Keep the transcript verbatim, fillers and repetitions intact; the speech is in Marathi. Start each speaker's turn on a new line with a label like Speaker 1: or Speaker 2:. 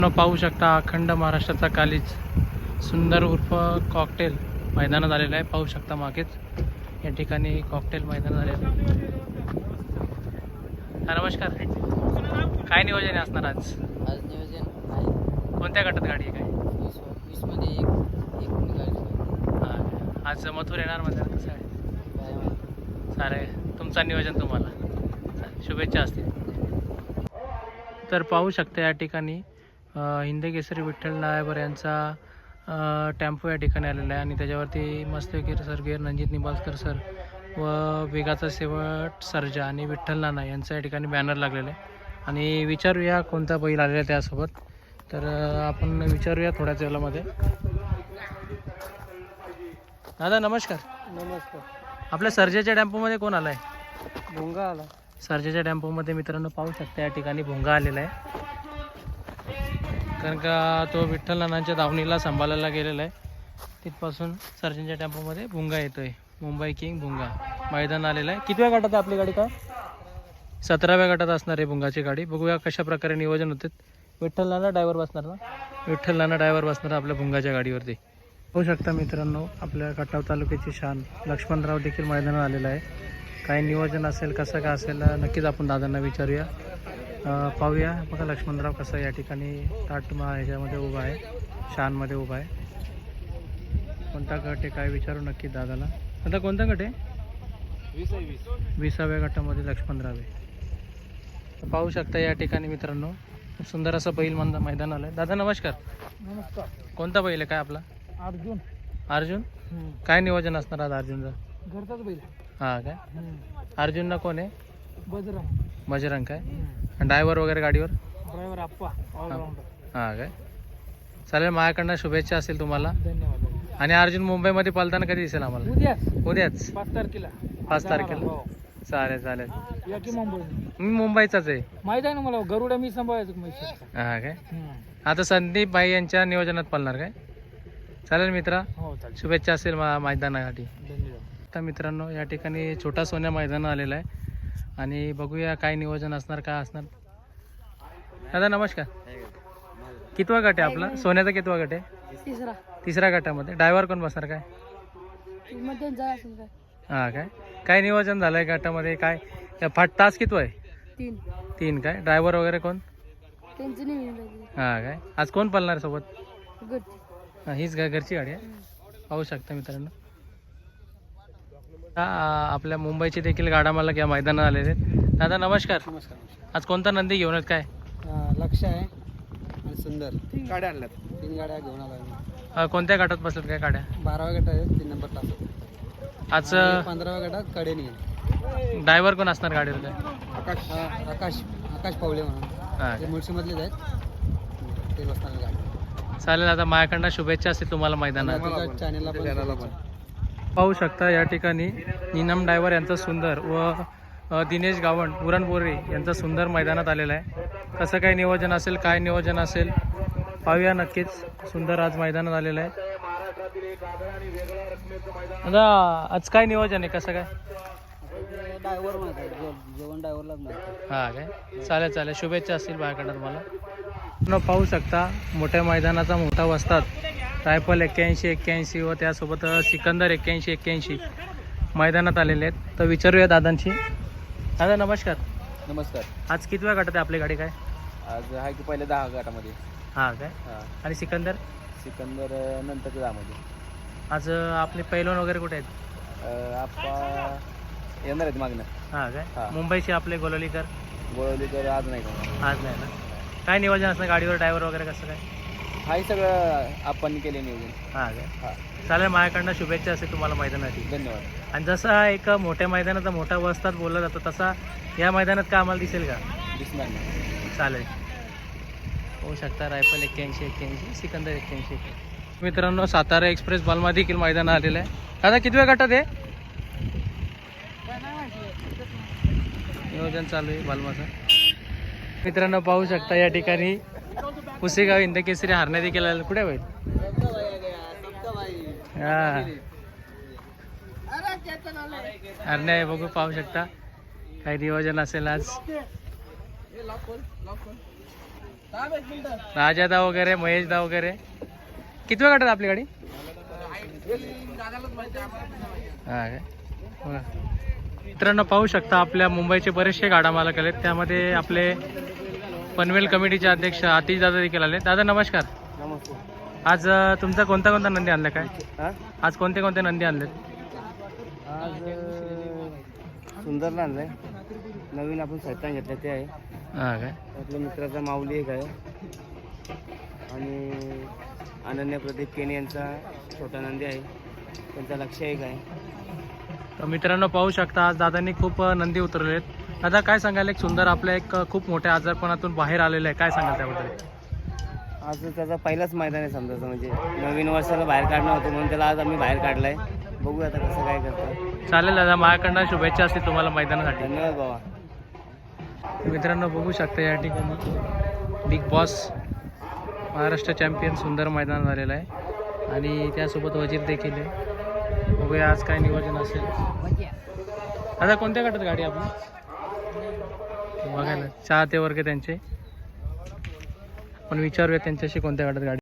Speaker 1: पाहू शकता अखंड महाराष्ट्राचा कालीज सुंदर उर्फ कॉकटेल मैदानात आलेला आहे. पाहू शकता मागेच या ठिकाणी कॉकटेल मैदान झालेलं आहे. नमस्कार, काय नियोजन असणार आज?
Speaker 2: आज नियोजन आहे
Speaker 1: कोणत्या गटात गाडी आहे? काय
Speaker 2: वीस वीस मध्ये एक एक गाडी
Speaker 1: हां, आज मथुर येणार म्हणजे कसं आहे?
Speaker 2: काय माहिती.
Speaker 1: सारे तुमचं नियोजन तुम्हाला शुभेच्छा असतील. तर पाहू शकता या ठिकाणी हिंदकेसरी विठ्ठल नायबर यांचा टेम्पो या ठिकाणी आलेला आहे आणि त्याच्यावरती मस्तकीर सर गिर रणजित निंबाळकर सर व वेगाचा शेवट सर्जा आणि विठ्ठल नाना यांचा या ठिकाणी बॅनर लागलेला आहे. आणि विचारूया कोणता बैल आलेला आहे त्यासोबत. तर आपण विचारूया थोड्याच वेळामध्ये. दादा नमस्कार.
Speaker 2: नमस्कार.
Speaker 1: आपल्या सर्जाच्या टेम्पोमध्ये कोण आला आहे?
Speaker 2: भोंगा आला.
Speaker 1: सर्जाच्या टेम्पोमध्ये मित्रांनो पाहू शकता या ठिकाणी भोंगा आलेला आहे, कारण का तो विठ्ठल नानांच्या दावणीला सांभाळायला गेलेला आहे. तिथपासून सर्जनच्या टेम्पोमध्ये भुंगा येतोय. मुंबई किंग भुंगा मैदान आलेलं आहे. कितव्या गटात आहे आपली गाडी? काय सतराव्या गटात असणार आहे भुंगाची गाडी. बघूया कशा प्रकारे नियोजन होते. विठ्ठल नाना ड्रायव्हर बसणार ना? विठ्ठल नाना ड्रायव्हर बसणार आपल्या भुंगाच्या गाडीवरती. पाहू शकता मित्रांनो आपल्या खटाव तालुक्याची शान लक्ष्मणराव देखील मैदानात आलेला आहे. काय नियोजन असेल कसं काय असेल नक्कीच आपण दादांना विचारूया. पाहूया. बघा लक्ष्मणराव कसं या ठिकाणी ताटमा ह्याच्यामध्ये उभा आहे, शानमध्ये उभा आहे. कोणता गट आहे काय विचारू नक्की दादाला. आता कोणता गट आहे?
Speaker 2: वीस आहे वीस
Speaker 1: विसाव्या गटामध्ये लक्ष्मणराव आहे. पाहू शकता या ठिकाणी मित्रांनो खूप सुंदर असं बैल मंद मैदान आलं आहे. दादा नमस्कार.
Speaker 2: नमस्कार.
Speaker 1: कोणता बैल आहे काय आपला?
Speaker 2: अर्जुन.
Speaker 1: अर्जुन. काय नियोजन असणार आज अर्जुनचं?
Speaker 2: घरचाच बैल.
Speaker 1: हां काय अर्जुनला कोण आहे?
Speaker 2: बजरंग.
Speaker 1: बजरंग काय ड्रायव्हर वगैरे गाडीवर?
Speaker 2: ड्रायव्हर आप्पा ऑलराऊंडर.
Speaker 1: हां काय चालेल. माझ्याकडनं शुभेच्छा असतील तुम्हाला.
Speaker 2: धन्यवाद.
Speaker 1: आणि अर्जुन मुंबईमध्ये पळताना कधी दिसेल आम्हाला?
Speaker 2: उद्या
Speaker 1: उद्याच
Speaker 2: पाच तारखेला.
Speaker 1: पाच तारखेला. चालेल चालेल.
Speaker 2: या की मुंबई.
Speaker 1: मी मुंबईचाच आहे.
Speaker 2: माहित आहे ना मला. गरुडा मी सांभाळायचो म्हैसूरचा.
Speaker 1: हां काय आता संदीप भाई यांच्या नियोजनात पळणार काय? चालेल मित्रा,
Speaker 2: हो चालेल.
Speaker 1: शुभेच्छा असेल मा मैदानासाठी.
Speaker 2: धन्यवाद.
Speaker 1: आता मित्रांनो या ठिकाणी छोटा सोन्या मैदान आलेला आहे आणि बघूया काय नियोजन असणार काय असणार. दादा नमस्कार. कितवा गट आहे आपला? सोन्याचा कितवा गट आहे?
Speaker 2: तिसरा.
Speaker 1: तिसऱ्या गटामध्ये ड्रायव्हर कोण बसणार काय?
Speaker 2: मध्ये जाय असेल काय?
Speaker 1: हां काय काय नियोजन झालं आहे गटामध्ये? काय फाट तास किती आहे?
Speaker 2: तीन.
Speaker 1: तीन काय ड्रायव्हर वगैरे कोण?
Speaker 2: त्यांचं नाही.
Speaker 1: हां काय आज कोण पळणार सोबत?
Speaker 2: गुड.
Speaker 1: हां हीच घ घरची गाडी आहे. पाहू शकता मित्रांनो हा आपल्या मुंबईचे देखील गाडा मला या मैदानात आलेले आहेत. दादा नमस्कार.
Speaker 2: नमस्कार.
Speaker 1: आज कोणता नंदी घेऊन आहेत काय?
Speaker 2: लक्ष आहे आणि सुंदर. तीन गाड्या आणल्यात. तीन गाड्या घेऊन आलो.
Speaker 1: अ, कोणत्या गटात बसल्यात काय गाड्या?
Speaker 2: बाराव्या गट आहे. तीन नंबर तास.
Speaker 1: आज
Speaker 2: पंधराव्या गटात कडे निघेल.
Speaker 1: ड्रायव्हर कोण असणार गाडीवर काय?
Speaker 2: आकाश आकाश आकाश पावले म्हणून.
Speaker 1: हां
Speaker 2: ते मुळशीमधलेच आहेत. ते बसणार गाडी.
Speaker 1: चालेल. आता माझ्याकडनं शुभेच्छा असतील तुम्हाला मैदानात.
Speaker 2: चॅनलला पण.
Speaker 1: पाहू शकता या ठिकाणी नीनम ड्रायव्हर यांचा सुंदर व अ, दिनेश गावंड उरणपोरे यांचा सुंदर मैदानात आलेला आहे. कसं काय नियोजन असेल काय नियोजन असेल पाहूया नक्कीच. सुंदर आज मैदानात आलेलं आहे. आता आज काय नियोजन आहे कसं काय?
Speaker 2: ड्रायव्हर माहिती जेवण ड्रायव्हरलाच माहिती.
Speaker 1: हां काय चालेल चालेल. शुभेच्छा असतील माझ्याकडं तुम्हाला. न पाहू शकता मोठ्या मैदानाचा मोठा वस्ताद रायफल एक्क्याऐंशी एक्क्याऐंशी व त्यासोबत सिकंदर एक्क्याऐंशी एक्क्याऐंशी मैदानात आलेले आहेत. तर विचारूया दादांशी. दादा नमस्कार.
Speaker 2: नमस्कार.
Speaker 1: आज कितव्या गटात आहे आपली गाडी काय?
Speaker 2: आज आहे की पहिले दहा गटामध्ये.
Speaker 1: हां काय
Speaker 2: हां.
Speaker 1: आणि सिकंदर
Speaker 2: सिकंदर नंतर दहामध्ये.
Speaker 1: आज आपले पैलवान वगैरे कुठे आहेत?
Speaker 2: आप्पा येणार आहेत मागणं.
Speaker 1: हां काय
Speaker 2: हां.
Speaker 1: मुंबईचे आपले गोलवलीकर
Speaker 2: गोळवलीकर आज नाही का?
Speaker 1: आज नाही ना. काय नियोजन असतं गाडीवर ड्रायव्हर वगैरे कसं काय?
Speaker 2: हाही सगळं आपण केले नियोजन.
Speaker 1: हां काय
Speaker 2: हां.
Speaker 1: चालेल. माझ्याकडनं शुभेच्छा असेल तुम्हाला मैदानासाठी.
Speaker 2: धन्यवाद.
Speaker 1: आणि जसा एक मोठ्या मैदानाचा मोठा वस्ताद बोलला जातो तसा या मैदानात का आम्हाला दिसेल का?
Speaker 2: दिसणार नाही.
Speaker 1: चालेल. होऊ शकता. रायफल एक्क्याऐंशी एक्क्याऐंशी सिकंदर एक्क्याऐंशी. मित्रांनो सातारा एक्सप्रेस बलमा देखील मैदान आलेलं आहे. दादा कितव्या गटात आहे? नियोजन चालू आहे बलमाचं. मित्रांनो पाहू शकता या ठिकाणी पुसेगाव हिंदकेसरी हरण्या देखील आलेलं. कुठे होईल? हां हरण्या आहे. बघू पाहू शकता काही नियोजन असेल आज. राजादा वगैरे महेशदा वगैरे. किती वेळ काढतात आपली गाडी? हा काय बघा. मित्रांनो पाहू शकता आपल्या मुंबईचे बरेचसे गाडा मालक आलेत, त्यामध्ये आपले पनवेल कमिटीचे अध्यक्ष आतिश दादा देखील आले. दादा नमस्कार.
Speaker 2: नमस्ते.
Speaker 1: आज अ, तुमचा कोणता कोणता नंदी आणला काय?
Speaker 2: हा?
Speaker 1: आज कोणते कोणते नंदी आणलेत?
Speaker 2: आज सुंदरला आणलंय. नवीन आपण सैतान घेतलं ते आहे.
Speaker 1: हा काय
Speaker 2: आपल्या मित्राचा माऊली एक आहे आणि अनन्य प्रदीप केनी यांचा छोटा नंदी आहे, त्यांचा लक्ष एक आहे.
Speaker 1: तर मित्रांनो पाहू शकता आज दादांनी खूप अ, नंदी उतरवले आहेत. दादा काय सांगाल, एक सुंदर आपल्या एक अ, खूप मोठ्या आजारपणातून बाहेर आलेलं आहे, काय सांगाल त्याबद्दल?
Speaker 2: आज त्याचा पहिलाच मैदान आहे समजायचं, म्हणजे नवीन वर्षाला बाहेर काढणं होतं म्हणून त्याला आज आम्ही बाहेर काढलाय. बघू आता कसं काय करतो.
Speaker 1: चालेल दादा, माझ्याकडनं शुभेच्छा असतील तुम्हाला मैदानासाठी.
Speaker 2: धन्यवाद बाबा.
Speaker 1: मित्रांनो बघू शकता या ठिकाणी बिग बॉस महाराष्ट्र चॅम्पियन सुंदर मैदान झालेलं आहे आणि त्यासोबत वजीर देखील आहे. बघूया आज काय नियोजन असेल. दादा कोणत्या गटात गाडी आपली? बघायला चाहते वर्ग त्यांचे, पण विचारूया त्यांच्याशी कोणत्या गटात गाडी.